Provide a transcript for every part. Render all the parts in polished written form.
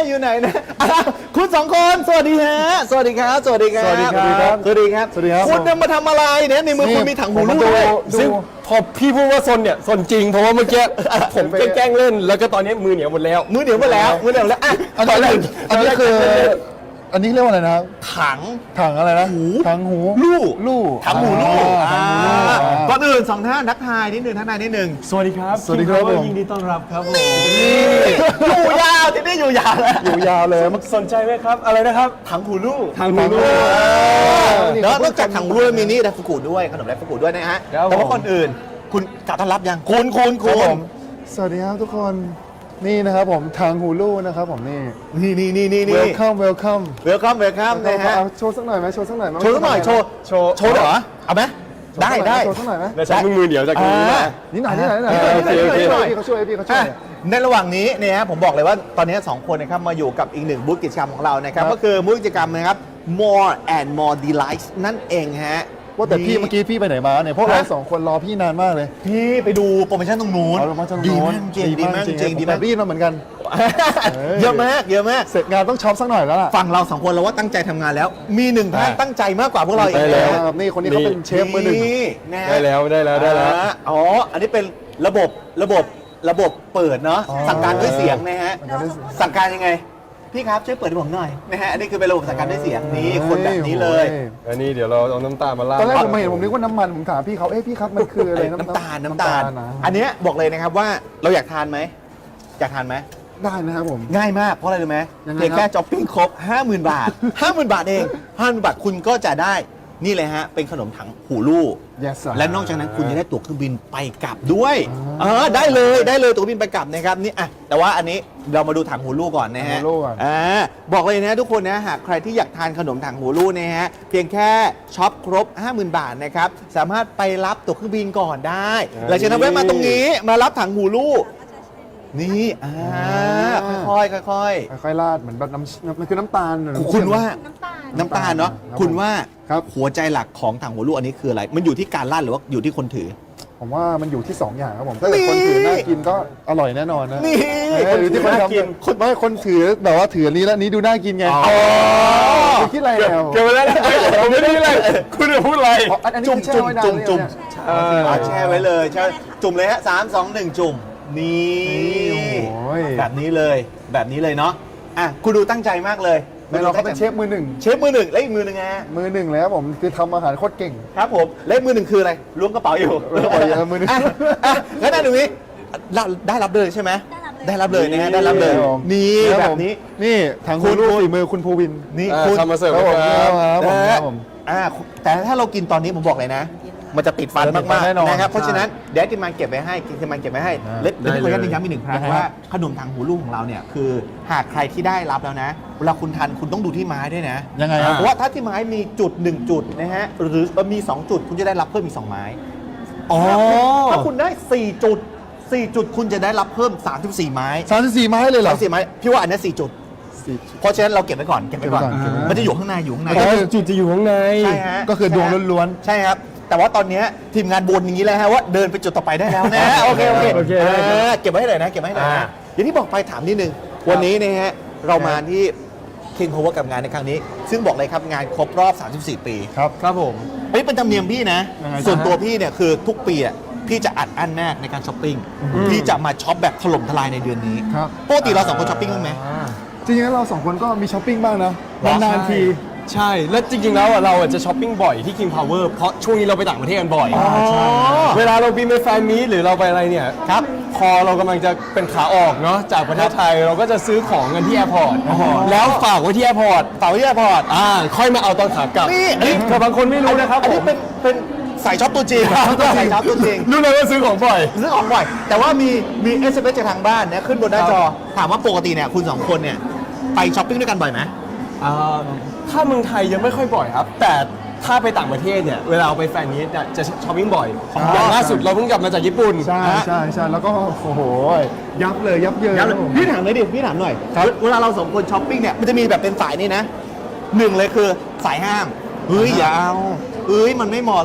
อยู่ไหนนะคุณสองคนสวัสดีฮะสวัสดีครับสวัสดีครับสวัสดีครับสวัสดีครับสวัสดีครับคุณจะมาทำอะไรเนี่ยในมือคุณมีถังหูลูกด้วยซึ่งพอพี่พูดว่าซนเนี่ยซนจริงเพราะว่าเมื่อกี้ผมแกล้งเล่นแล้วก็ตอนนี้มือเหนียวหมดแล้วมือเดียวมาแล้วมือเดียวแล้วอ่ะอันนี้คืออันนี้เรียกว่าอะไรนะครับถังถังอะไรนะถังหูลู่ ถังหูลูกถังหูลูกก่อนอื่นสองท่านทักทายนิดนึงทักทายนิดนึงสวัสดีครับสวัสดีครับ King Power ผมยินดีต้อนรับครับผมอยู่ยาวที่นี่อยู่ยาวแล้วอยู่ยาวเลยมันสนใจไหมครับอะไรนะครับถังหูลูกทางหูลูกแล้วนอกจากถังหูลูกมีนี่ไดฟุกุด้วยขนมไดฟุกุด้วยนะฮะครับแต่ว่าผมก่อนอื่นคุณกล่าวต้อนรับยังคุณครับผมสวัสดีครับทุกคนนี่นะครับผมถังหูลูกนะครับผมนี่นี่ welcome welcome เวลคัมนะฮะเอาโชว์สักหน่อยไหมโชว์สักหน่อยไหมโชว์สักหน่อยโชว์โชว์โชว์เหรอเอาไหมได้โชว์สักหน่อยไหมแล้วใช้มือเหนียวจากตรงนี้นะนิดหน่อยนิดหน่อยโอเคโอเคพี่เขาช่วยพี่เขาช่วยในระหว่างนี้เนี่ยฮะผมบอกเลยว่าตอนนี้2คนนะครับมาอยู่กับอีกหนึ่งบูธกิจกรรมของเรานะครับครับก็คือบูธกิจกรรมนะครับ more and more delights นั่นเองฮะว่าแต่พี่เมื่อกี้พี่ไปไหนมาเนี่ยพวกเราฮะสองคนรอพี่นานมากเลยพี่ไปดูโปรโมชั่นตรงนู้นเอาลงมาจากดีโน้มาน กจริงดีมากจริงดีแต่มากได้ยินมาเหมือนกันเยอะมากเยอะมากเสร็จงานต้องช็อปสักหน่อยแล้วล่ะฝั่งเรา2คนเราว่าตั้งใจทำงานแล้ว มีหนึ่งท่านตั้งใจมากกว่าพวกเราอีกได้แล้วครับนี่คนนี้เขาเป็นเชฟมือหนึ่งนี่นะฮะได้แล้วได้แล้วอ๋ออันนี้เป็นระบบเปิดเนาะอ๋อสั่งการด้วยเสียงนะฮะสั่งการด้วยเสียงสั่งการยังไงพี่ครับช่วยเปิดให้ผมหน่อยนะฮะอันนี้คือเป็นระบบสั่งการด้วยเสียงนี่คนแบบนี้เลยอันนี้เดี๋ยวเราเอาน้ำตาลมาราดตอนแรกผมมาเห็นผมนึกว่าน้ำมันผมถามพี่เขาเอ้ยพี่ครับมันคืออะไรน้ำตาลนะอันเนี้ยบอกเลยนะครับว่าเราอยากทานไหมอยากทานไหมได้นะครับผมง่ายมากเพราะอะไรรู้ไหมยังไงเพียงครับแค่ช้อปปิ้งครบ 50,000 บาท 50,000 บาทเอง 50,000 บาทคุณก็จะได้นี่เลยฮะเป็นขนมถังหูลู่ Yes sir และนอกจากนั้นคุณจะได้ตั๋วเครื่องบินไปกลับด้วยได้เลยตั๋วบินไปกลับนะครับนี่อ่ะแต่ว่าอันนี้เรามาดูถังหูลู่ก่อนนะฮะถังหูลู่ก่อนบอกเลยนะทุกคนนะหากใครที่อยากทานขนมถังหูลู่นะฮะเพียงแค่ช็อปครบ 50,000 บาทนะครับสามารถไปรับตั๋วเครื่องบินก่อนได้หลังจากนั้นแวะมาตรงนี้มารับถังหูลู่นี่ค่อยๆค่อยๆราดเหมือนแบบมันคือน้ำตาลคุณว่าน้ำตาลน้ำตาลเนาะครับคุณว่าครับหัวใจหลักของถังหัวลูกอันนี้คืออะไร มันอยู่ที่การลั่นหรือว่าอยู่ที่คนถือผมว่ามันอยู่ที่ 2 อย่างครับผมถ้าเกิดคนถือน่ากินก็อร่อยแน่นอนนะนี่หรือที่คนทำคนไม่คนถือแบบว่าถืออันนี้แล้วนี้ดูน่ากินไงอ๋อคุณคิดอะไรแล้วเกี่ยวกับอะไรผมไม่ได้อะไรคุณจะพูดอะไรอันนี้จุ่มคือแช่ไว้นานจุ่มหรือยังเนี่ยแช่ไว้เลยใช่จุ่มเลยฮะ3 2 1 จุ่มนี่โอ้ยแบบนี้เลยเนาะอ่ะคุณดูตั้งใจมากเลยแม่เราเขาเป็นเชฟมือหนึ่งเชฟมือหนึ่งและอีกมือหนึ่งฮะมือหนึ่งแล้วผมคือทำอาหารโคตรเก่งครับผมและอีกมือหนึ่งคืออะไรล้วงกระเป๋าอยู่ล้วงกระเป๋าอยู่มือหนึ่งงั้นอันนี้ได้รับเลยใช่ไหมได้รับเลยนะฮะได้รับเลยครับผมนี่ครับแบผบมนี้นี่ทางคุณรู้ฝีมือคุณภูวินนี่คุณทำมาเสิร์ฟครับผมครับครับผมแต่ถ้าเรากินตอนนี้ผมบอกเลยนะ มันจะติดฟันมันจะติดฟัมาน กแน่นอนๆนะครับใช่เพราะฉะนั้นเดี๋ยวทีมงานเก็บไว้ให้ทีมงานเก็บไว้ให้อ่าเล็กได้ขออนุญาตเลยย้ำอีกหนึ่งครั้งยังไงว่าฮะขนมถังหูลูกของเราเนี่ยคือหากใครที่ได้รับแล้วนะ เวลาคุณทานคุณต้องดูที่ไม้ด้วยนะยังไงครับเพราะว่าถ้าที่ไม้มีจุด1จุดนะฮะหรือมี2จุดคุณจะได้รับเพิ่มอีก2ไม้ถ้าคุณได้4จุดคุณจะได้รับเพิ่ม34ไม้ 34ไม้เลยเหรอ 34ไม้พี่ว่าอันนี้4จุด เพราะฉะนั้นเราเก็บไว้ก่อนเก็บไว้ก่อนมันจะอยู่ข้างในอ๋อจุดจะอยู่ข้างในใช่ฮะก็คือดวงล้วนใช่ครับ แต่ว่าตอนนี้ทีมงานบนอย่างนี้แล้วฮะว่าเดินไปจุดต่อไปได้แล้วนะ โอเคโอเคได้ครับเก็บไว้ให้หน่อยนะอย่างที่บอกไปถามนิดนึงวันนี้นะฮะเรามาที่ King Power กับงานในครั้งนี้ ซึ่งบอกเลยครับงานครบรอบ 34 ปีๆครับครับผมอันนี้เป็นธรรมเนียมพี่นะยังไงจ๊ะส่วนตัวพี่เนี่ยคือทุกปีอ่ะพี่จะอัดอั้นมากในการช้อปปิ้งพี่จะมาช็อปแบบถล่มทลายในเดือนนี้ครับปกติเราสองคนช้อปปิ้งบ้างไหมจริงๆแล้วเราสองคนก็มีช้อปปิ้งบ้างนะหรอนานๆทีใช่ แล้วจริงๆแล้วอ่ะเราอ่ะจะช้อปปิ้งบ่อยที่ King Power เพราะช่วงนี้เราไปต่างประเทศกันบ่อยใช่เวลาเราบินไปแฟนมีตหรือเราไปอะไรเนี่ยครับพอเรากำลังจะเป็นขาออกเนาะจากประเทศไทยเราก็จะซื้อของกันที่แอร์พอร์ตแล้วฝากไว้ที่แอร์พอร์ตเต่าที่แอร์พอร์ตค่อยมาเอาตอนขากลับนี่แต่บางคนไม่รู้นะครับอันนี้ผมเป็นสายช็อปตัวจริงสายช็อปตัวจริงรู้เลยว่าซื้อของบ่อยซื้อของบ่อยแต่ว่ามี SMS จากทางบ้านนะขึ้นบนหน้าจอ ถามว่าปกติเนี่ยคุณสองคนเนี่ยไปช้อปปิ้งด้วยกันบ่อยไหมถ้าเมืองไทยยังไม่ค่อยบ่อยครับ แต่ถ้าไปต่างประเทศเนี่ยเวลาเราไปแฟนมีตเนี่ยจะช้อปปิ้งบ่อยอย่างล่าสุดเราเพิ่งกลับมาจากญี่ปุ่นใช่แล้วก็โอ้โหยับเลยยับเยินย้ำเลยครับผมพี่ถามหน่อยดิพี่ถามหน่อยเวลาเราสองคนช้อปปิ้งเนี่ยมันจะมีแบบเป็นสายนี่นะหนึ่งเลยคือสายห้ามเฮ้ยอย่าเอาเฮ้ยมันไม่เหมาะหรอก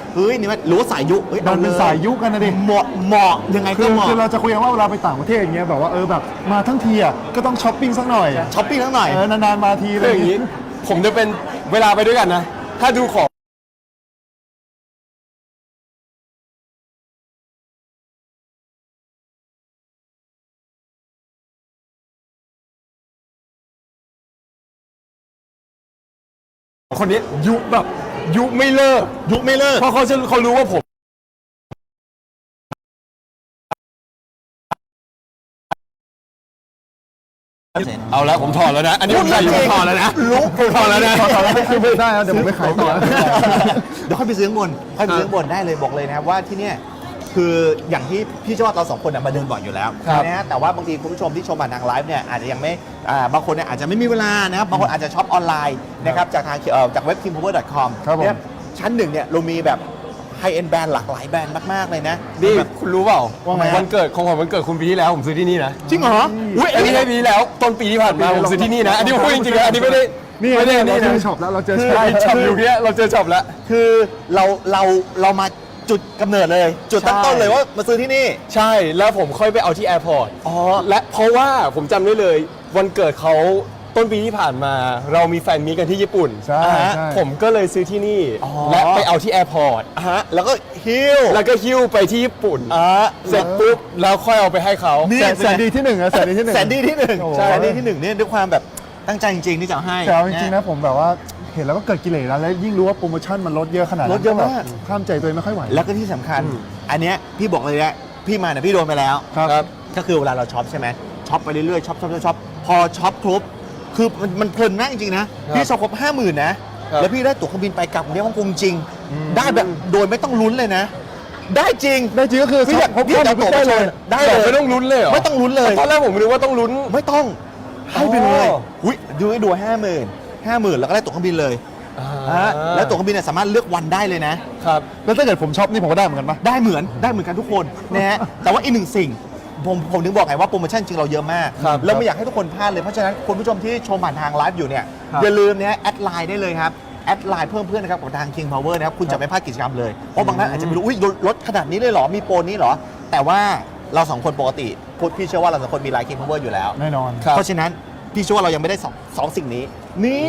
เฮ้ยนี่มันหรือว่าสายยุเฮ้ยดันเป็นสายยุกันนะดิเหมาะยังไงคืก็อเหมาะคือเราจะคุยกันว่าเวลาไปต่างประเทศอย่างเงี้ยแบบว่าแบบมาทั้งทีอ่ะก็ต้องช้อปปิ้งสักหน่อยช้อปปิ้งทั้งหน่อยนานๆมาทีอะไรคืออย่างนี้ ผมจะเป็นเวลาไปด้วยกันนะ ถ้าดูของคนนี้ยุแบบยุไม่เลิกยุไม่เลิกเพราะเขารู้ว่าผมเอาแล้วผมถอดแล้วนะ อันนี้ผมใส่อยู่ผมถอดแล้วนะผมถอดแล้วนะขอไม่คือไม่ได้นะเดี๋ยวผมไปขายต่อเดี๋ยวค่อยไปซื้อข้างบนค่อยไปซื้อข้างบนได้เลยบอกเลยนะครับว่าที่เนี่ยคืออย่างที่พี่เชื่อว่าเราสองคนน่ะมาเดินบ่อยอยู่แล้วครับนะฮะแต่ว่าบางทีคุณผู้ชมที่ชมผ่านทางไลฟ์เนี่ยอาจจะยังไม่บางคนเนี่ยอาจจะไม่มีเวลานะครับบางคนอาจจะช็อปออนไลน์นะครับจากทางจากเว็บ kimpower.com ครับผมเนี่ยชั้นหนึ่งเนี่ยเรามีแบบไฮเอ็นแบรนด์หลากหลายแบรนด์มากๆเลยนะนี่แบบคุณรู้เปล่าว่าไงวันเกิดของผมวันเกิดคุณปีที่แล้วผมซื้อที่นี่นะจริงเหรออุ้ยอันนี้ไม่ปีที่แล้วต้นปีที่ผ่านมาผมซื้อที่นี่นะ อันนี้ผมพูดจริงๆนะอันนี้ไม่ได้นี่ไม่ได้เรานี่เจนะอช็อปแล้วเราเจอใช่ช็อปอยู่เนี้ยเราเจอช็อปแล้วคือเรามาจุดกำเนิดเลย จุดตั้งต้นเลยว่ามาซื้อที่นี่ใช่แล้วผมค่อยไปเอาที่แอร์พอร์ตอ๋อและเพราะว่าผมจำได้เลยวันเกิดเขาต้นปีที่ผ่านมา เรามีแฟนมีตกันที่ญี่ปุ่นใช่อ่าฮะใช่ผมก็เลยซื้อที่นี่อ๋อและไปเอาที่แอร์พอร์ตฮะแล้วก็ฮิ้วแล้วก็หิ้วไปที่ญี่ปุ่น เสร็จเปุ๊บแล้วค่อยเอาไปให้เขานี่แสนดีที่หนึ่งอะแสนดีที่หนึ่งแสนดีที่หนึ่งโอ้โหแสนดีที่หนึ่งเนี่ยด้วยความแบบตั้งใจจริงๆที่จะเอาให้แต่เอาจริงๆนะผมแบบว่าเห็นแล้วก็เกิดกิเลสแล้วยิ่งรู้ว่าโปรโมชั่นมันลดเยอะขนาดนั้นลดเยอะมากแบบข้ามใจตัวเองไม่ค่อยไหวแล้วก็ที่สำคัญ อันเนี้ยพี่บอกเลยนะพี่มาเนี่ยพี่โดนไปแล้วครับก็คือเวลาเราช็อปใช่ไหมช็อปไปเรื่อยๆช็อปพอช็อปครบคือมันเพลินมากจริงๆนะพี่ช็อปครบ 50,000นะแล้วพี่ได้ตั๋วเครื่องบินไปกลับกรุงเทพฮ่องกงจริง ได้แบบโดยไม่ต้องลุ้นเลยนะ ได้จริงได้จริงก็คือพี่อยากพบพี่อยากข้อมูลได้เลยได้ได้แต่เลยไม่ต้องลุ้นเลยเหรอไม่ต้องลุ้นเลยตอนแรกผมนึกว่าต้องลุ้นไม่ต้องให้ไปเลยอ๋ออุ้ยดู50,000แล้วก็ได้ตั๋วเครื่องบินเลยแล้วตั๋วเครื่องบินเนี่ยสามารถเลือกวันได้เลยนะครับแล้วถ้าเกิดผมช็อปนี่ผมก็ได้เหมือนกันปะได้เหมือนกันทุกคนนะฮะ แต่ว่าอีกหนึ่งสิ่งผมถึงบอกไงว่าโปรโมชั่นจริงเราเยอะมากครับแล้วไม่อยากให้ทุกคนพลาดเลย เพราะฉะนั้นคุณผู้ชมที่ชมผ่านทางไลฟ์อยู่เนี่ยครับอย่าลืมนะฮะแอดไลน์ได้เลยครับแอดไลน์เพิ่มเพื่อนนะครับของทาง King Power นะครับคุณจะไม่พลาดกิจกรรมเลย เพราะบางท่านอาจจะไม่รู้อุ้ยลดขนาดนี้เลยเหรอมีโปรนี้เหรอ แต่ว่าเราสองคนปกติพี่เชื่อว่าเราสองคนมีไลน์ King Power อยู่แล้วแน่นอนครับเพราะฉะนั้นพี่เชื่อว่าเรายังไม่ได้สองสิ่งนี้ นี่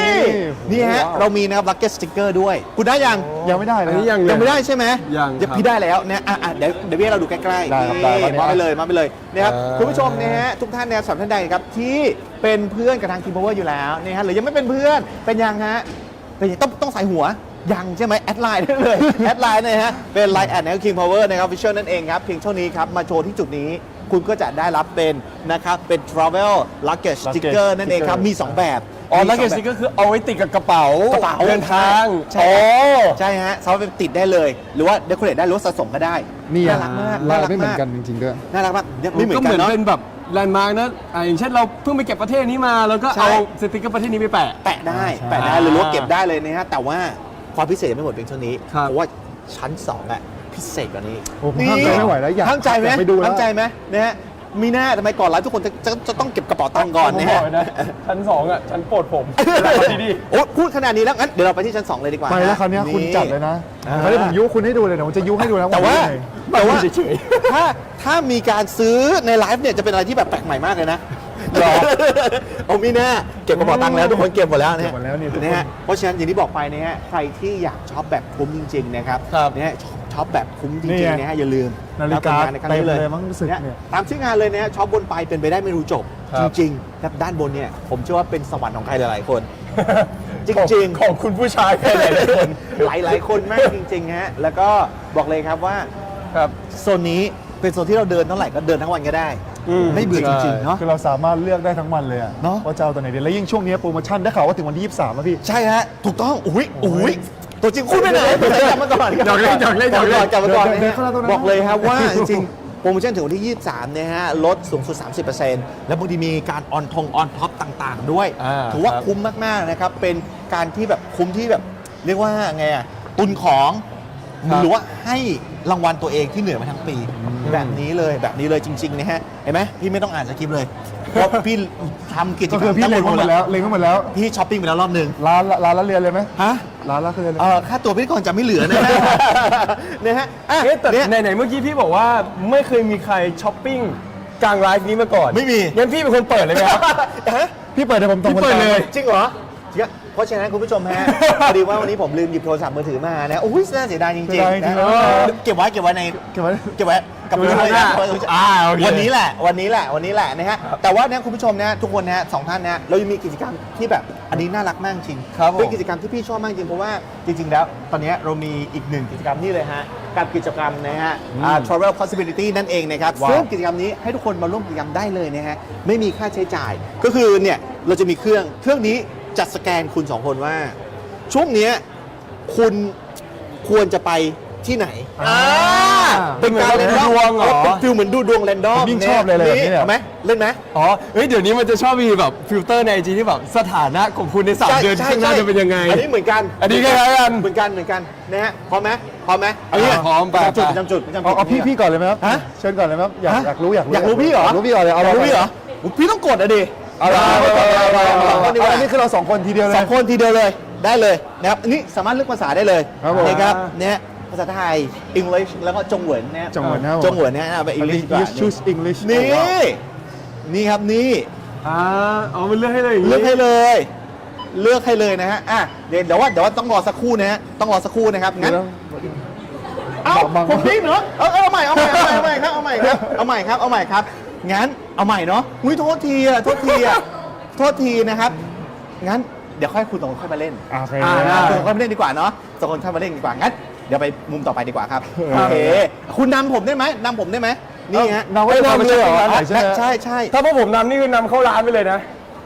นี่นี่ฮะว้าวเรามีนะครับลักเก็ตสติ๊กเกอร์ด้วยคุณได้ยังยังไม่ได้เลอัยนนี้ยังยังไม่ได้ใช่ไหมยังเดี๋วครับพี่ได้แล้วนะเดี๋ยวพี่ให้เราดูใกล้ๆได้ครับนี่ได้ครับมาไปเลยนะครับอ่าคุณผู้ชมนะฮะทุกท่านเนี่ยสำหรับท่านใดครับที่เป็นเพื่อนกับทาง King Power อยู่แล้วนะฮะหรือยังไม่เป็นเพื่อนเป็นยังฮะเป็นยังต้องใส่หัวยังใช่ไหมแอดไลน์ได้เลย แอดไลน์นะฮะเป็นไลน์แอดนะครับ King Power นะครับ Official นั่นเองครับเพียงเท่านี้ครับมาโชว์ที่จุดนี้ คุณก็จะได้รับเป็นนะครับเป็น Travel Luggage Sticker นั่นเองครับมีสองแบบอ๋อมีแล้วสเกองสแบบติกก็คือเอาไว้ติดกับกระเป๋ากระเป๋าเดินทางใช่อ๋อใช่ฮะสามารถไปติดได้เลย หรือว่าเดคอเรทได้หรือว่าสะสมก็ได้นี่น่าอะรักมากลาน่าย รักไม่เหมือมากนกันจริงๆด้วยน่ารักมากเนี่ยไม่เหมือนก็กันเนาะเป็นแบบแลนด์มาร์กนะอย่างเช่นเราเพิ่งไปเก็บประเทศนี้มา แล้วก็ใช่เอาสติกเกอร์ประเทศนี้ไปแปะแปะได้ใช่แปะได้หรือว่าเก็บได้เลยนะฮะแต่ว่าความพิเศษยังไม่หมดเพียงเท่านี้ครับเพราะว่าชั้น2อ่ะพิเศษกว่านี้โอ้ผมห้ามใจไม่ไหวแล้วอยากห้ามใจไหมอยากไปดูแล้วห้ามใจไหมนะฮะมีหน้าทำไมก่อนไลฟ์ทุกคนจะต้องเก็บกระเป๋าตังค์ก่อนนะผมบฮะอกเลยนะชั้น2อ่ะชั้นโปรดผมเวลาที่นี่โอ้พูดขนาดนี้แล้วงั้นเดี๋ยวเราไปที่ชั้น 2 เลยดีกว่าไปแล้วคราวเนี้ยคุณจัดเลยนะอ่าไม่ได้ผมยุคุณให้ดูเลยนะผมจะยุให้ดูแล้วแต่ว่ายังไงแต่ว่าเฉยถ้ามีการซื้อในไลฟ์เนี่ยจะเป็นอะไรที่แบบแปลกใหม่มากเลยนะหรอเอามีแน่เก็บกระเป๋าตังค์แล้วทุกคนเก็บหมดแล้วเนี่ยเก็บหมดแล้วนี่ทุกคนนะฮะเพราะฉะนั้นอย่างที่บอกไปนะฮะใครที่อยากช็อปแบบคุ้มจริงๆนะครับครับนะฮะช็อปแบบคุ้มจนี่ริงไงๆนะฮะอย่าลืมนาฬิกาะครับในครั้งนี้เลยเต็มเลยมั้งรู้สึกเนี่ยเนี่ยตามชื่องานเลยนะฮะช็อปบนไปเป็นไปได้ไม่รู้จบครัจบริงๆแล้วด้านบนเนี่ยผมเชื่อว่าเป็นสวรรค์ของใครหลายๆคน จริงๆของคุณผู้ชายแค่ไหนทุกคนหลายๆคนมากจริงๆฮะแล้วก็บอกเลยครับว่าครับโซนนี้เป็นโซนที่เราเดินเท่าไหร่ก็เดินทั้งวันก็ได้อืมไม่เบื่อจริงๆเนาะคือเราสามารถเลือกได้ทั้งวันเลยอะเนอะว่าจะเอาตัวไหนดีแล้วยิ่งช่วงนี้โปรโมชั่นได้ข่าวว่าถึงวันที่ 23แล้วพี่ใช่ฮะถูกต้องอุ้ยตัวจริงคุณไปไหนกลับมาก่อนหยอกเล่นหยอกเล่นหยอกเล่นกลับมาก่อนเดินเข้าร้านตรงนั้นบอกเลยครับว่าจริงๆโปรโมชั่นถึงวันที่ 23เนี่ยฮะลดสูงสุด 30%แล้วบางทีมีการออนท็อปต่างๆ ด้วย ถือว่าครับคุ้มมากๆนะครับเป็นการที่แบบคุ้มที่แบบเรียกว่าไงอะตุนของครับหรือว่าให้รางวัลตัวเองที่เหนื่อยมาทั้งปี แบบนี้เลยจริงๆนะฮะเห็นไหมพี่ไม่ต้องอ่านสคริปต์เลยเพราะพี่ทำกิจกรก็รมคือพี่เล็งไว้หมดแล้วเล็งไว้หมดแล้วพี่ช้อปปิ้งไปแล้วรอบหนึ่งร้านละเรียนเลยไหมฮะร้านละคือค่าตัวพิธีกรจะไม่เหลือนะฮะ นะฮะอ่ะเอ๊ะแต่เนี่ยไหนๆเมื่อกี้พี่บอกว่าไม่เคยมีใครช้อปปิ้งกลางไลฟ์นี้มาก่อนไม่มีงั้นพี่เป็นคนเปิดเลยไหมครับฮะพี่เปิดให้ผมตรงพี่เปิดเลยจริงเหรอจริงอะเพราะฉะนั้นคุณผู้ชมฮะ พอดีว่าวันนี้ผมลืมหยิบโทรศัพท์มือถือมานะโอ้ยน่าเสียดายจริงๆนะเก็บไว้ในเก็บไว้กับมือเลยนะโอเควันนี้แหละนะฮะแต่ว่าเนี่ยคุณผู้ชมนะทุกคนนะสองท่านนะเรายังมีกิจกรรมที่แบบอันนี้น่ารักมากจริงครับผมเป็นกิจกรรมที่พี่ชอบมากจริงเพราะว่าจริง ๆ แล้วตอนนี้เรามีอีกหนึ่งกิจกรรมนี่เลยฮะกับกิจกรรมนะฮะtravel possibility นั่นเองนะครับว้าวซึ่งกิจกรรมนี้ให้ทุกคนมาร่วมกิจกรรมได้เลยนะฮะไม่มีค่าใช้จ่าย ก็คือเนี่ยเราจะมีเครื่องนี้จะสแกนคุณสองคนว่า ช่วงเนี้ยคุณควรจะไปที่ไหนเป็นการเป็นดวงเหรอเป็นฟิลเหมือนดูดวงแรนดอมผมยิ่งชอบเลยแบบนี้เนี่ยเอาไหมเล่นไหมอ๋อเฮ้ยเดี๋ยวนี้มันจะชอบมีแบบฟิลเตอร์ในไอจีที่แบบสถานะของคุณใน3 เดือนข้างหน้าจะเป็นยังไงอันนี้เหมือนกันอันนี้คล้ายๆกันเหมือนกันนะฮะพร้อมไหมเอางี้พร้อมไปจำจุดเอาพี่ก่อนเลยไหมครับฮะเชิญก่อนเลยไหมครับอยากรู้อยากรู้พี่เหรออยากรู้พี่ก่อนเลยเอาอยากรู้พี่เหรอพี่ต้องกดอะดิเอาอันนี้คือเรา2 คนทีเดียวเลยสองคนทีเดียวเลยได้เลยนะครับอันนี้สามารถเลือกภาษาได้เลยครับผมนะครับเนี่ยภาษาไทย English แล้วก็จงเหวินนะจงเหวินครับผมจงเหวินเนี่ยเอาไป English ดีกว่า English choose English นี่ครับนี่อ๋อมันเลือกให้เลยอย่างเลืงี้อกให้เลยนะฮะอ่ะเดี๋ยวว่าต้องรอสักครู่นะฮะต้องรอสักครู่นะครับงั้นเอ้าบังผมพิงเหรอเอาใหม่ครับเอาใหม่ครับงั้นเอาใหม่เนาะอุ้ยโทษทีนะครับงั้นเดี๋ยวค่อยคุณสองคนค่อยมาเล่นโอเคสองคนค่อยมาเล่นดีกว่าเนาะสองคนค่อยมาเล่นดีกว่างั้นเดี๋ยวไปมุมต่อไปดีกว่าครับโอเคคุณนำผมได้ไหมนี่ฮะเราไม่ได้ทำเลยเหรอใช่ไหมใช่ถ้าพวกผมนำนี่คือนำเข้าร้านไปเลยนะ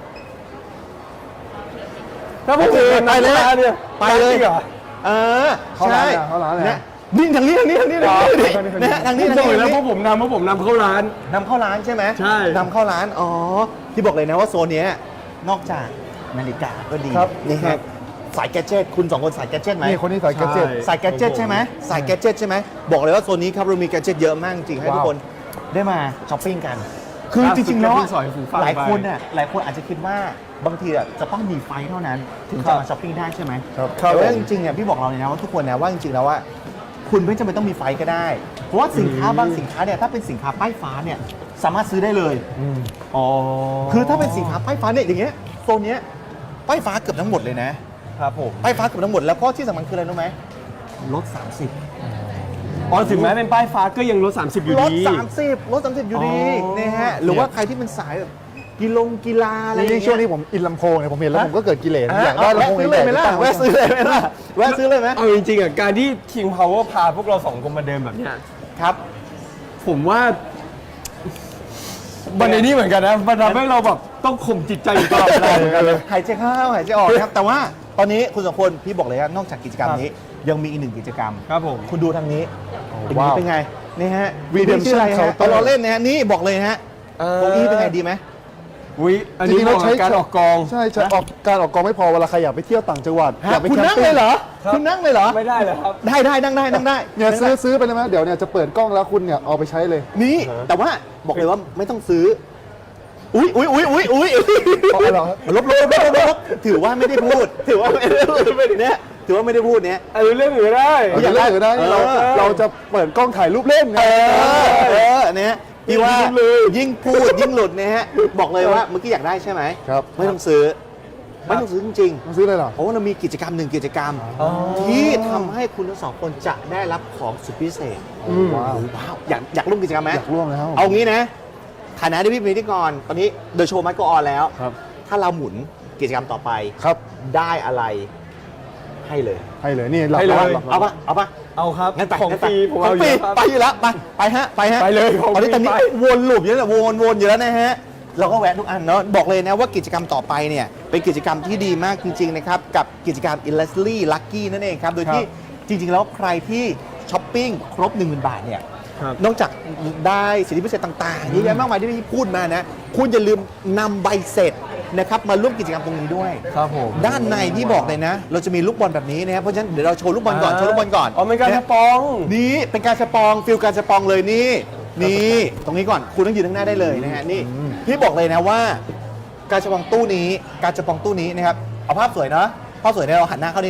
ถ้าพวกผมนำเข้าร้านเนี่ยไปเลยจริงเหรอใช่เขาร้านเลยนะนี่ทางนี้นะฮะทางนี้ผมบอกเลยนะพวกผมนำเข้าร้านนำเข้าร้านใช่ไหมใช่นำเข้าร้านอ๋อที่บอกเลยนะว่าโซนเนี้ยนอกจากนาฬิกาก็ดีครับนี่ฮะสายแกดเจิตคุณสองคนสายแกดเจิตไหมนี่คนนี้ใส่แกดเจ็ตสายแกดเจิตใช่ไหมสายแกดเจิตใช่ไหมบอกเลยว่าโซนนี้ครับเรามีแกดเจิตเยอะมากจริงให้ทุกคนได้มาช้อปปิ้งกัน คือจริงๆแล้วอะสอยหูฟังไปหลายคนอาจจะคิดว่าบางทีอะจะต้องมีไฟเท่านั้น ถึงจะมาช้อปปิ้งได้ใช่ไหมครับแต่ว่าจริงๆเนี่ยพี่บอกเราเลยนะว่าทุกคนนะว่าจริงๆแล้วว่าคุณไม่จำเป็นต้องมีไฟก็ได้ เพราะว่าสินค้าบางสินค้าเนี่ยถ้าเป็นสินค้าป้ายฟ้าเนี่ยสามารถซื้อได้เลยอ๋อคือถ้าเป็นสินค้าป้ายฟ้าเนี่ยอย่างเงี้ยโซนเนี้ยป้ายฟ้าเกือบทั้งหมดเลยนะครับผมป้ายฟ้าเกือบทั้งหมดแล้วก็ที่สำคัญคืออะไรรู้ไหมลด 30 อ๋อถึงแม้เป็นป้ายฟ้าก็ยังลด 30 อยู่ลดดี 30อยู่ดีอ๋อนะฮะหรือว่าใครที่เป็นสายแบบกีฬาอะไรอย่างยิ่เงี้งยช่วงนี้ผมอินลำโพงเนี่ยผมเห็นแล้วผมก็เกิดกิเลสอยากได้แวะลำโพงซื้อเลยไหมล่ะใหญ่ๆแวะซื้อเลยไหมล่ะแวะซื้อเลยไหมเอาจริงๆอ่ะการที่ King Power พาพวกเรา2 คนมาเดินแบบเนี้ยครับผมว่ามันในนี้เหมือนกันนะมันทำให้เราแบบต้องข่มจิตใจอยู่ตลอดเวลาเหมือนกันเลยหายใจเข้าหายใจออกนะครับแต่ว่าตอนนี้คุณสองคนพี่บอกเลยว่านอกจากกิจกรรมนี้ยังมีอีกหนึ่งกิจกรรมครับผมคุณดูทางนี้ว้าวเป็นไงนี่ฮะ Redemption ชื่ออะไรฮะ Counter เราเล่นนะฮะนี่บอกเลยฮะตรงนี้เป็นไงดีไหมอุ๊ยอันนี้จริงๆเราเราใช้การออกกองใช่ออกการออกกองไม่พอเวลาใครอยากไปเที่ยวต่างจังหวัดอยากไปคุณแคมนั่งปิ้เลยเหรอครับคุณนั่งเลยเหรอไม่ได้เลยครับได้นั่งได้เนี่ยซื้อไปเลยไหมเดี๋ยวเนี่ยจะเปิดกล้องแล้วคุณเนี่ยเอาไปใช้เลยนี่แต่ว่าบอกเลยว่าไม่ต้องซื้ออุ้ยเอาเหรอลบถือว่าไม่ได้พูดเนี่ยถือว่าไม่ได้พูดเนี่ยอันนี้เรื่องอื่นได้อยากได้หรือได้นี่เราจะเปิดกล้องถ่ายรูปเล่นไงเนี่ยพี่ว่ายิ่งพูดยิ่งหลุดนะฮะบอกเลยว่าเมื่อกี้อยากได้ใช่ไหมครับไม่ต้องซื้อจริงต้องซื้อเลยเหรอๆเพราะว่าเรามีกิจกรรมหนึ่งกิจกรรม ที่ทำให้คุณทั้งสองคนจะได้รับของสุดพิเศษว้าวอยากร่วมกิจกรรมไหมอยากร่วมนะครับเอางี้นะฐานะที่พี่เป็นพิธีกรตอนนี้เดอะโชว์มัดก็ออนแล้วครับถ้าเราหมุนกิจกรรมต่อไปครับได้อะไรให้เลยให้เลยนี่หลับให้เลยหลับเอาปะเอาครับงั้นไปของงั้นฟไปรีผมขอเอางอฟรียู่ครับไปอยู่แล้วไปฮะไปเลยของตอนนี้ฟรีวนลูปอยู่แล้ววนอยู่แล้วนะฮะเราก็แวะทุกอันเนาะบอกเลยนะว่ากิจกรรมต่อไปเนี่ยเป็นกิจกรรมที่ดีมากจริงๆนะครับกับกิจกรรม Leslie Lucky นั่นเองครับโดยที่จริงๆแล้วใครที่ช้อปปิ้งครบ 10,000 บาทเนี่ยครับนอกจากได้สิทธิพิเศษต่างๆเยอะแยะมากมายที่พี่พูดมานะคุณอย่าลืมนำใบเสร็จนะครับมาร่วมกิจกรรมตรงนี้ด้วยครับผมด้านในที่บอกเลยนะ เราจะมีลูกบอลแบบนี้นะครับเพราะฉะนั้นเดี๋ยวเราโชว์ลูกบอลก่อนโชว์ลูกบอลก่อนอ๋อเป็นการนะสปองนี่เป็นการสปองฟิลการสปองเลยนี่ตรงนี้ก่อนคุณต้องยืนข้างหน้าได้เลยนะฮะนี่พี่บอกเลยนะว่า การสปองตู้นี้นะครับเอาภาพสวยเนาะภาพสวยเนี่ยเราหันหน้าเข้านี่ดีกว่า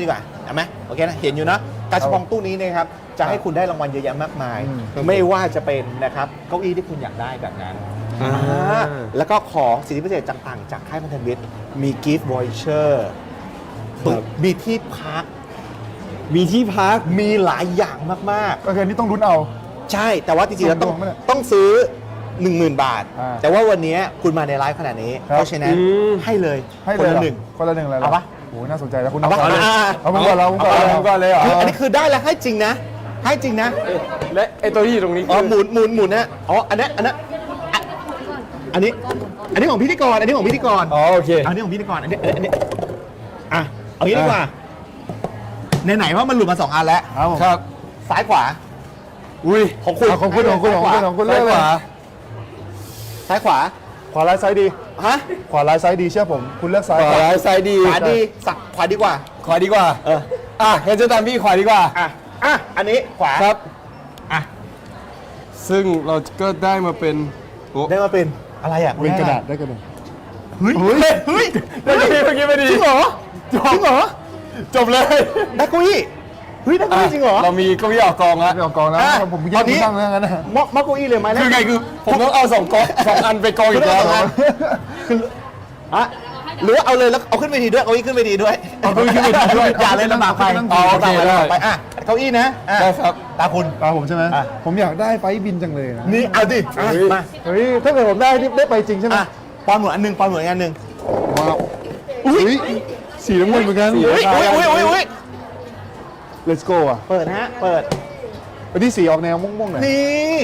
เห็นไหมโอเคนะเห็นอยู่นะกาชาปองตู้นี้นะครับจะให้คุณได้รางวัลเยอะแยะมากมาย ไม่ว่าจะเป็นนะครับเก้าอี้ที่คุณอยากได้แบบนั้นแล้วก็ของสิทธิพิเศษต่างๆจากค่ายพันธมิตรมีกิฟต์วอยเชอร์มีที่พักมีที่พักมีหลายอย่างมากโอเคนี่ต้องลุ้นเอาๆ ใช่แต่ว่าจริงๆแล้วส่วนตัวมั้ยเนี่ยต้องซื้อ 10,000 บาทอ่าแต่ว่าวันนี้คุณมาในไลฟ์ขนาดนี้ครับเพราะฉะนั้นให้เลยให้คเลนยละเหรอหนึ่งคนละหนึ่งเลยหรเอาปะโอ้โหน่าสนใจแล้วคุณเอาปะเอาเลยอ่าเอาผมก่อนเราผมก่อนเอาก่อนเลยเหรอคืออันนี้คือได้แล้วให้จริงนะ ให้จริงนะและไอตัวที่อยู่ตรงนี้อ๋อคือหมุนนะอ๋ออันนี้อ่ะอันนี้ของพิธีกรอันนี้ของพิธีกรอ๋อโอเคอันนี้ของพิธีกรอันนี้อ่ะเอางี้ดีกว่าไหนๆว่ามันหลุดมา2 อันแล้วครับผมครับซ้ายขวาอุ้ยของคุณเอาของคุณของคุณของคุณของคุณเลืซ้าอย กขเลยวาซ้ายขวาขวาร้ายซ้ายดีฮะขวาร้ายซ้ายดีเชื่อผมคุณเลือกซ้ายขวาร้ายซ้ายดีขวาดีสักขวาดีกว่าขวาดีกว่าเออเห็นจะตามพี่ขวาดีกว่าอ่ะอันนี้ขวาครับอ่ะซึ่งเราก็ได้มาเป็นโอ้ได้มาเป็นอะไรอ่ะเป็นกระดาษได้กระดาษเฮ้ยเฮ้ยเมื่อกี้ไม่ดีจริงเหรอจริงเหรอจบเลยได้เกุ้ยเฮ้ยได้เกุ้ยจริงเหรอเรามีเก้าอี้ออกกองแล้วไม่เอากองแล้วอ่ะผมตแยอก นนี้คุณตั้งแล้วงั้นนะมอเกุ้ยเลยไหมคือไงคือผมต้องเอา2 กอง2 อันไปกองอีกแล้วคืออ่ะหรือว่าเอาเลยแล้วเอาขึ้นไปทีด้วยเอาอี้ขึ้นไปทีด้วยเอาเก้าอี้ขึ้นไปทีด้วยอย่าเลยลำบากไปเอาโอเคลำบากไปได้อ่ะเก้าอี้นะอ่ะได้ครับตาคุณตาผมใช่ไหมอ่ะผมอยากได้ไฟล์บินจังเลยนะนี่เอาดิอ่ะเฮ้ยมาเฮ้ยถ้าเกิดผมได้นี่ได้ไปจริงใช่ไหมอ่ะปอนหมวดอันหนึ่งปอนหมวดอีกอันหนึ่งว้าวอุ้ยสีน้ำเงินเหมือนกันอุ้ยอุ้ย Let's go อ่ะเปิดฮะเปิดอันนี้สีออกแนวม่วงๆหน่อยนี่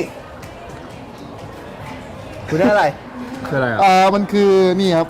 คุณได้อะไรคืออะไรอ่ะมันคือนี่ครับ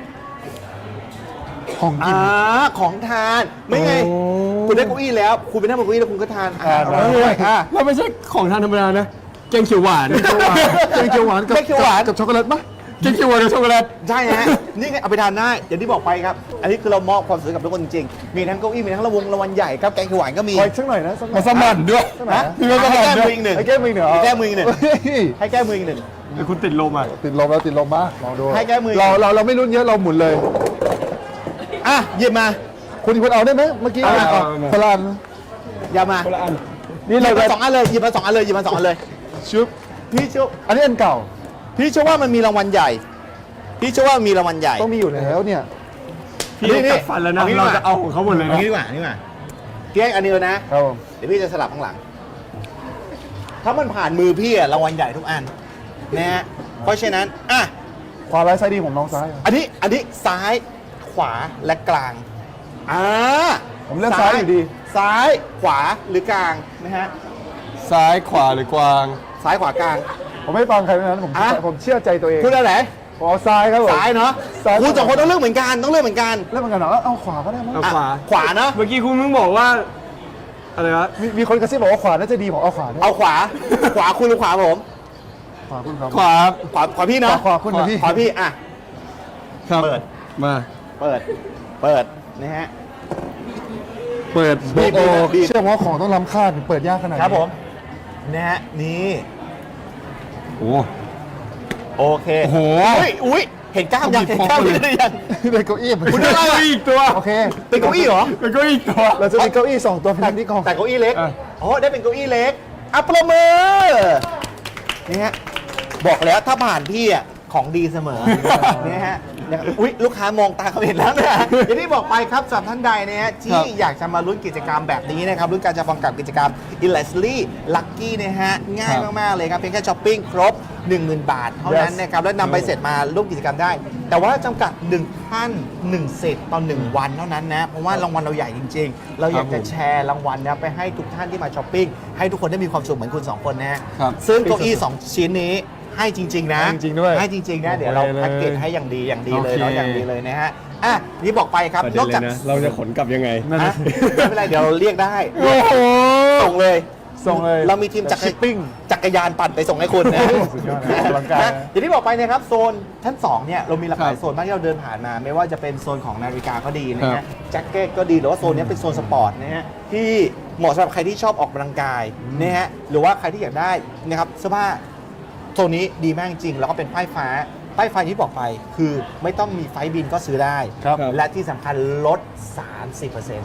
ของกินของทานไม่ไงโอ้คุณได้เก้าอี้แล้ว คุณไปนั่งบนเก้าอี้แล้วคุณก็ทานทานอร่อยอ่ะแล้วไม่ใช่ของทานธรรมดานะแกงเขียวหวานแกงเขียวหวานกับแกงเขียวหวานกับช็อกโกแลตปะแกงเขียวหวานกับช็อกโกแลตใช่ฮะ นี่ไงเอาไปทานได้อย่างที่บอกไปครับ อันนี้คือเรามอบความสุขกับทุกคนจริงๆ มีทั้งเก้าอี้มีทั้งรางวัลใหญ่ครับแกงเขียวหวานก็มีขออีกสักหน่อยนะสักหน่อมาย สมั่นด้วยนะมีมาสให้มั่นแก้ด้มืวอย อีกหนึ่งให้แก้มือหนึ่งเหรอให้แก้มืออีกหนึ่งเฮ้ยให้แก้มืออีกหนึ่งคุณติดลมอ่ะติดลมแล้วติดลมมาลองดูให้แก้มือเราไม่ลุ้นเยอะเราหมุนเลยอ่ะหยิบมาคุณเอาได้ไหมเมื่อกี้เอาพลานอย่ามาคนละอันหยิบมา2 อันเลยหยิบมา2 อันเลยหยิบมา2 อันเลยชุบพี่เชื่ออันนี้อันเก่าพี่เชื่อว่ามันมีรางวัลใหญ่ พี่เชื่อว่ามีรางวัลใหญ่ต้องมีอยู่แล้วเนี่ยพี่ต้องกัดฟันแล้วนะเอางี้ดีกว่าเราจะเอาของเขาหมดเลยเอานะงี้ดีกว่านี่ดีกว่าเพียงอันเดียวนะครับผมเดี๋ยวพี่จะสลับข้างหลัง ถ้ามันผ่านมือพี่อะรางวัลใหญ่ทุกอันนะฮะ เพราะฉะนั้น อ่ะขวาร้ายซ้ายดีผมลองซ้ายอ่ะอันนี้ซ้ายขวาและกลางผมเลือกซ้ายอยู่ดีซ้ายขวาหรือกลางนะฮะซ้ายขวาหรือกวางซ้ายขวากลางผมไม่ฟังใครทั้งนั้นผมเชื่อใจตัวเองคุณอะไรผมเอาซ้ายครับผมซ้ายเนาะซ้ายคุณสองคนต้องเลือกเหมือนกันต้องเลือกเหมือนกันเล่นเหมือนกันเหรอเอาขวาก็ได้มั้งเอาอ่ะขวาขวาเนาะเมื่อกี้คุณเพิ่งบอกว่า อะไรวะมีคนกระซิบบอกว่าขวาน่าจะดีผมเอาขวาได้เอาขวา ขวาคุณหรือขวาผมขวาคุณครับขวาขวาพี่เนาะขวาคุณนะพี่ขวาพี่อ่ะครับเปิดมาเปิดนะฮะเปิดบีบโอ้บีบเชื่อว่าของต้องล้ำค่าถึงเปิดยากขนาดนี้ครับผมนะฮะนี่โอ้โอเคโอ้โหอุ้ยเห็นกล้ามยังเห็นกล้ามยังหรือยังได้เก้าอี้คุณได้อะไรอีกตัวโอเคเป็นเก้าอี้เหรอแล้วก็อีกตัวเราจะมีเก้าอี้2ตัวเป็นที่กองแต่เก้าอี้เล็กอ่ะอ๋อได้เป็นเก้าอี้เล็กอัปประมือนี่ฮะบอกแล้วถ้าผ่านพี่อ่ะของดีเสมอนี่ฮะอุ๊ยลูกค้ามองตาเขาเห็นแล้วนะอย่างที่บอกไปครับสำหรับท่านใดนะฮะที่อยากจะมาลุ้นกิจกรรมแบบนี้นะครับลุ้นการจะฟังกับกิจกรรม e l a s l y Lucky นะฮะง่ายมากๆเลยครับเพียงแค่ช้อปปิ้งครบ 10,000 บาทเท่านั้นนะครับแล้วนำใบเสร็จมาร่วมกิจกรรมได้ แต่ว่าจำกัด1ท่าน1เสร็จต่อ1วันเท่านั้นนะเพราะว่ารางวัลเราใหญ่จริงๆ เราอยากจะแชร์รางวัลนะไปให้ทุกท่านที่มาช้อปปิ้งให้ทุกคนได้มีความสุขเหมือนคุณ2คนนะฮะครับซึ่งเก้าอี้2ชิ้นนี้ให้จริง ๆ นะให้จริงๆด้วยให้จริง ๆ นะ เดี๋ยวเราโอเคเลยแพ็กเกจให้อย่างดีเลยโอเคเนาะอย่างดีเลยนะฮะอ่ะนี่บอกไปครับประนเด็อน กเลจากยนะ เราจะขนกลับยังไงนั่นอ่ะนะไม่เป็นไรเดี๋ยวเราเรียกได้โอ้โหส่งเลยส่งเลยเรามีทีมจักร Shipping จักรยานปั่นไปส่งให้คุณนะสุดยอดนะออกกำลังกายนะอย่างที่บอกไปนะครับโซนชั้น2เนี่ยเรามีหลากหลายครับโซนมากที่เราเดินผ่านมา ไม่ว่าจะเป็นโซนของนาฬิกาก็ดีนะครัฮะบแจ็คเก็ตก็ดีหรือว่าโซนนี้เป็นโซนสปอร์ตนะฮะที่เหมาะสำหรับใครที่ชอบออกกำลังกายนะฮะหรือว่าใครที่อยากได้นะครับเสื้อผ้าโซนนี้ดีมากจริงแล้วก็เป็นป้ายฟ้าที่บอกไปคือไม่ต้องมีไฟล์บินก็ซื้อได้ครับและที่สำคัญลด 30%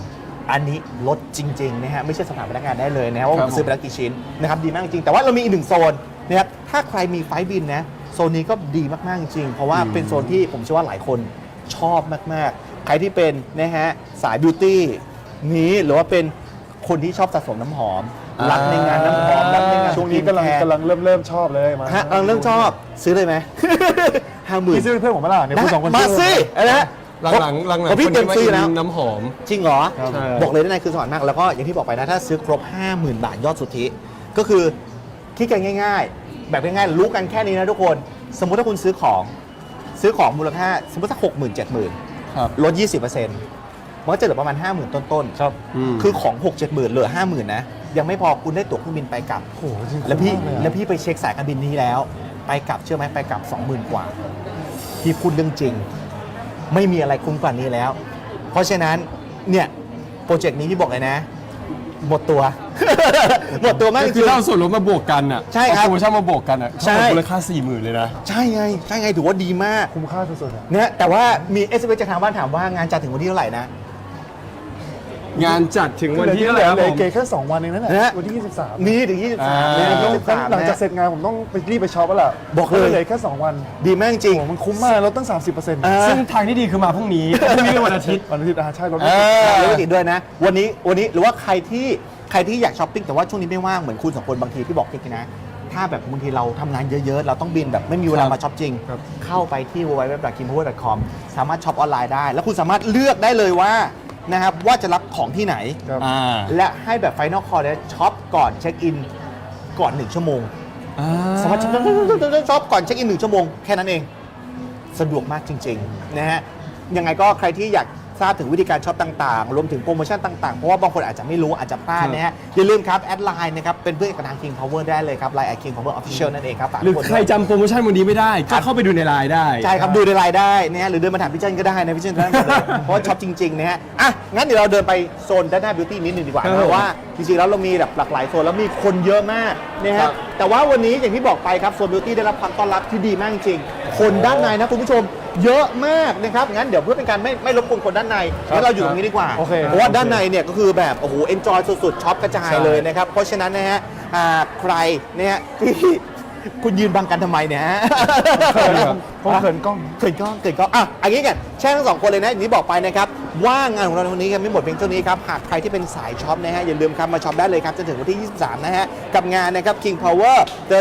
อันนี้ลดจริงๆนะฮะไม่ใช่สำหรับพนักงานได้เลยนะว่าครับผมซื้อไปแล้วกี่ชิ้นนะครับดีมากจริงแต่ว่าเรามีอีกหนึ่งโซนนะครับถ้าใครมีไฟล์บินนะโซนนี้ก็ดีมากๆจริงเพราะว่าเป็นโซนที่ผมเชื่อว่าหลายคนชอบมากๆ ใครที่เป็นนะฮะสายบิวตี้นี้หรือว่าเป็นคนที่ชอบสะสมน้ำหอมรักในงานน้ำหอมรักในงานช่วงนี้กำลังสกินแคร์เริ่มชอบเลยมาฮะกำลังเริ่มชอบซื้อเลยไหม 50,000 พี่ซื้อเป็นเพื่อนผมไหมล่ะเนี่ยคุณสองคนมาซื้สิออะไรนะหลังๆผมพี่คนเต็มที่ซื้อมาแล้วน้ำหอมจริงเหรอครับใช่บอกเลยด้านในคือสวรรค์มาก แล้วก็อย่างที่บอกไปนะ ถ้าซื้อครบ 50,000 บาทยอดสุทธิ ก็คือคิดกันง่ายๆ แบบง่ายๆ รู้กันแค่นี้นะทุกคน สมมุติถ้าคุณซื้อของมูลค่าสมมติสัก60,000 70,000 ครับลด 20%มันก็จะเหลือประมาณ 50,000 ต้นครับๆ คือของ 6-70,000เหลือ 50,000 นะ ยังไม่พอคุณได้ตั๋วเครื่องบินไปกลับโอ้โหจริงแล้วพี่คุ้มมากเลยอะแล้วพี่ไปเช็คสายการบินนี้แล้ว ไปกลับเชื่อไหมไปกลับ 20,000 กว่า พี่พูดเรื่องจริง ไม่มีอะไรคุ้มกว่านี้แล้ว เพราะฉะนั้นเนี่ยโปรเจกต์นี้ที่บอกเลยนะ หมดตัว หมดตัวมากจก็ริคือง ถ้าเอาส่วนลดมาบวกกันอ่ะใช่ครับเอาโปรโมชั่นมาบวกกันอ่ะใช่เท่ากับมูลค่า 40,000 เลยนะใช่ไงใช่ไงถือว่าดีมากคุ้มค่าสุดๆอะเนี่ยแต่ว่ามี SMS จากทางบ้านถามว่างานจัดถึงวันที่เท่าไหร่นะงานจัดถึงวันที่เท่าไหร่ครับเลผยมเกแค่2 วันเองนั่นแหนะละวันที่ 23 มีถึง 23เลยอ่า 23 หลังจากเสร็จงานผมต้องไปรีบไปช็อปแล้วล่ะบอกเลยหลืแค่ 2 วันดีมากจริงโอ้โหมันคุ้มมากลดตั้ง 30% อ่าซึ่งทางที่ดีคือมาพรุ่งนี้พรุ่งนี้เป็นวันอาทิตย์วันอาทิตย์ใช่ลดเออแล้วก็ติดด้วยนะ วันนี้หรือว่าใครที่อยากช้อปปิ้งแต่ว่าช่วงนี้ไม่ว่างเหมือนคุณสองคนบางทีพี่บอกพี่นะ ถ้าแบบบางทีเราทำงานเยอะๆ เราต้องบินแบบไม่มีเวลามาช็อปจริง เข้าไปที่ www.kimpower.com สามารถช็อปออนไลน์ได้ แล้วคุณสามารถเลือกได้เลยว่านะครับว่าจะรับของที่ไหนครับอ่าและให้แบบ Final Call เนี่ยช็อปก่อนเช็คอินก่อน 1 ชั่วโมง สามารถช็อปก่อนเช็คอิน 1 ชั่วโมงแค่นั้นเอง สะดวกมากจริงๆนะฮะยังไงก็ใครที่อยากทราบถึงวิธีการช็อปต่างๆ รวมถึงโปรโมชั่นต่างๆ เพราะว่าบางคนอาจจะไม่รู้อาจจะพลาดนะฮะอย่าลืมครับ แอดไลน์นะครับ เป็นเพื่อนกับทาง King Power ได้เลยครับไลน์ King Power Official นั่นเองครับฝากหรือทุกคนใครด้วยจำโปรโมชั่นวันนี้ไม่ได้ ก็เข้าไปดูในไลน์ได้ใช่ครับ ดูในไลน์ได้นะฮะหรือเดินมาถามพี่เจนก็ได้นะพี่เจนได้หมดเลย เพราะว่าช็อปจริงๆนะฮะอ่ะงั้นเดี๋ยวเราเดินไปโซนด้านหน้าบิวตี้นิดนึงดีกว่าครับนะเพราะว่าจริงๆแล้วเรามีแบบหลากหลายโซนแล้วมีคนเยอะมากนะครัฮะบแต่ว่าวันนี้อย่างที่บอกไปครับโซนบิวตี้ได้รับความต้อนรับที่ดีมากจริงๆคนด้านในนะคุณผู้ชมเยอะมากนะครับงั้นเดี๋ยวเพื่อเป็นการไม่รบกวนคนด้านในงั้นเราอยู่ตรงนี้ดีกว่าโอเคเพราะว่าด้านในเนี่ยก็คือแบบโอ้โหเอนจอยสุดๆช็อปกระจายใช่เลยนะครับเพราะฉะนั้นนะฮะใครเนี่ยที่คุณยืนบังกันทำไมเนี่ยฮะผมเขินกล้องเกิดก็อ่ะอันนี้กันแช่งทั้งสองคนเลยนะอย่างที่บอกไปนะครับว่างานของเราในวันนี้ยังไม่หมดเพียงเท่านี้ครับหากใครที่เป็นสายช็อปนะฮะอย่าลืมครับมาช็อปได้เลยครับจนถึงวันที่ 23 นะฮะกับงานนะครับ King Power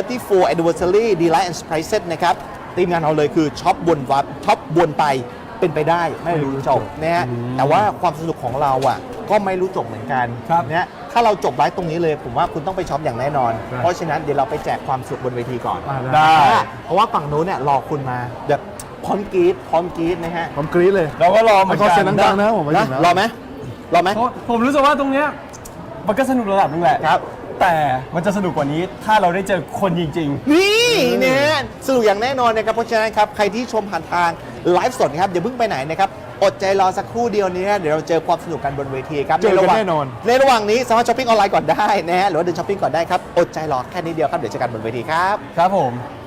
34 Anniversary Delight and Surprises นะครับทีมงานเราเลยคือช็อปวนวับช็อปวนไปเป็นไปได้ไม่รู้จบนะฮะแต่ว่าความสนุกของเราอ่ะก็ไม่รู้จบเหมือนกันครับนะถ้าเราจบไลฟ์ตรงนี้เลยผมว่าคุณต้องไปช็อปอย่างแน่นอนครับเพราะฉะนั้นเดี๋ยวเราไปแจกความสุขบนเวทีก่อนได้เพราะว่าฝั่งนู้นเนี่ยรอคุณมาแบบพร้อมกรี๊ดนะฮะผมกรี๊ดเลยเราก็รอเหมือนขอกัเสียงนดังๆนะผมมาถึนะงแล้วรอไหมรอไหมเพราะผมรู้สึกว่าตรงเนี้ยมันก็สนุกระดับนึงแหละครับแต่มันจะสนุกกว่านี้ถ้าเราได้เจอคนจริงนี่เนี่ยสนุกอย่างแน่นอนนะครับเพราะฉะนั้นครับใครที่ชมผ่านทางไลฟ์สดครับอย่าเพิ่งไปไหนนะครับอดใจรอสักครู่เดียวนี้นะเดี๋ยวเราเจอความสนุกกันบนเวทีครับเจอกันใระหว่างแน่นอนในระหว่างนี้สามารถช้อปปิ้งออนไลน์ก่อนได้นะฮะหรือว่าเดินช้อปปิ้งก่อนได้ครับอดใจรอแค่นิดเดียวครับเดี๋ยวเจอกันบนเวทีครับๆ ครับผม